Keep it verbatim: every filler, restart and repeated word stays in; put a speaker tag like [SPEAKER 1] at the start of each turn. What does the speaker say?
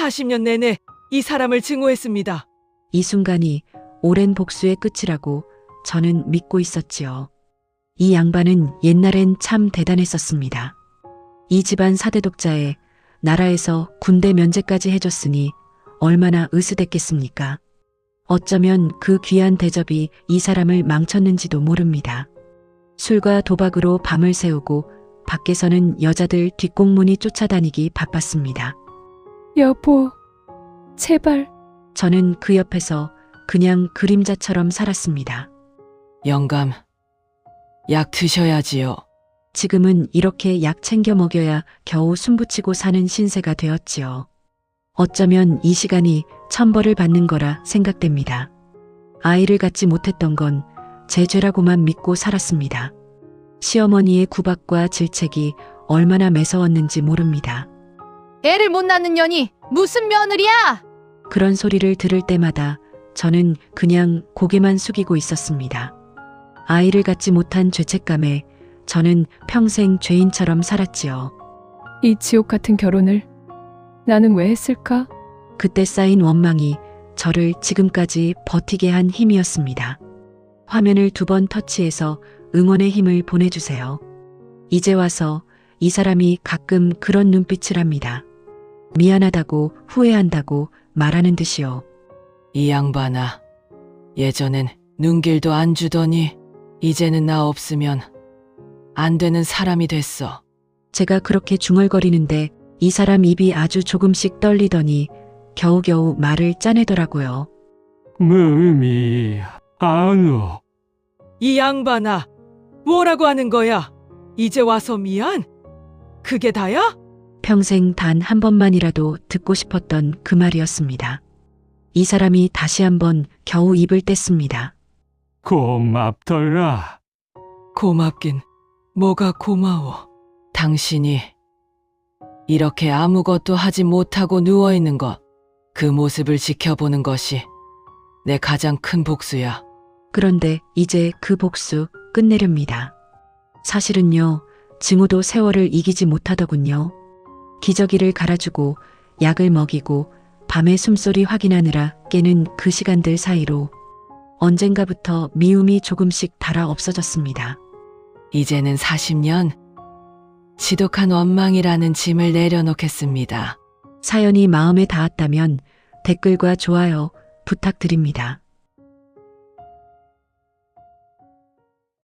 [SPEAKER 1] 사십 년 내내 이 사람을 증오했습니다.
[SPEAKER 2] 이 순간이 오랜 복수의 끝이라고 저는 믿고 있었지요. 이 양반은 옛날엔 참 대단했었습니다. 이 집안 사대 독자에 나라에서 군대 면제까지 해줬으니 얼마나 으스댔겠습니까? 어쩌면 그 귀한 대접이 이 사람을 망쳤는지도 모릅니다. 술과 도박으로 밤을 새우고 밖에서는 여자들 뒷공문이 쫓아다니기 바빴습니다.
[SPEAKER 3] 여보, 제발.
[SPEAKER 2] 저는 그 옆에서 그냥 그림자처럼 살았습니다.
[SPEAKER 1] 영감, 약 드셔야지요.
[SPEAKER 2] 지금은 이렇게 약 챙겨 먹여야 겨우 숨붙이고 사는 신세가 되었지요. 어쩌면 이 시간이 천벌을 받는 거라 생각됩니다. 아이를 갖지 못했던 건 제 죄라고만 믿고 살았습니다. 시어머니의 구박과 질책이 얼마나 매서웠는지 모릅니다.
[SPEAKER 4] 애를 못 낳는 년이 무슨 며느리야?
[SPEAKER 2] 그런 소리를 들을 때마다 저는 그냥 고개만 숙이고 있었습니다. 아이를 갖지 못한 죄책감에 저는 평생 죄인처럼 살았지요.
[SPEAKER 3] 이 지옥 같은 결혼을 나는 왜 했을까?
[SPEAKER 2] 그때 쌓인 원망이 저를 지금까지 버티게 한 힘이었습니다. 화면을 두 번 터치해서 응원의 힘을 보내주세요. 이제 와서 이 사람이 가끔 그런 눈빛을 합니다. 미안하다고 후회한다고 말하는 듯이요.
[SPEAKER 1] 이 양반아, 예전엔 눈길도 안 주더니 이제는 나 없으면 안 되는 사람이 됐어.
[SPEAKER 2] 제가 그렇게 중얼거리는데 이 사람 입이 아주 조금씩 떨리더니 겨우겨우 말을 짜내더라고요.
[SPEAKER 5] 무미 아누.
[SPEAKER 1] 이 양반아, 뭐라고 하는 거야? 이제 와서 미안? 그게 다야?
[SPEAKER 2] 평생 단 한 번만이라도 듣고 싶었던 그 말이었습니다. 이 사람이 다시 한번 겨우 입을 뗐습니다.
[SPEAKER 5] 고맙더라.
[SPEAKER 1] 고맙긴 뭐가 고마워. 당신이 이렇게 아무것도 하지 못하고 누워있는 것, 그 모습을 지켜보는 것이 내 가장 큰 복수야.
[SPEAKER 2] 그런데 이제 그 복수 끝내렵니다. 사실은요, 증오도 세월을 이기지 못하더군요. 기저귀를 갈아주고 약을 먹이고 밤에 숨소리 확인하느라 깨는 그 시간들 사이로 언젠가부터 미움이 조금씩 달아 없어졌습니다.
[SPEAKER 1] 이제는 사십 년 지독한 원망이라는 짐을 내려놓겠습니다.
[SPEAKER 2] 사연이 마음에 닿았다면 댓글과 좋아요 부탁드립니다.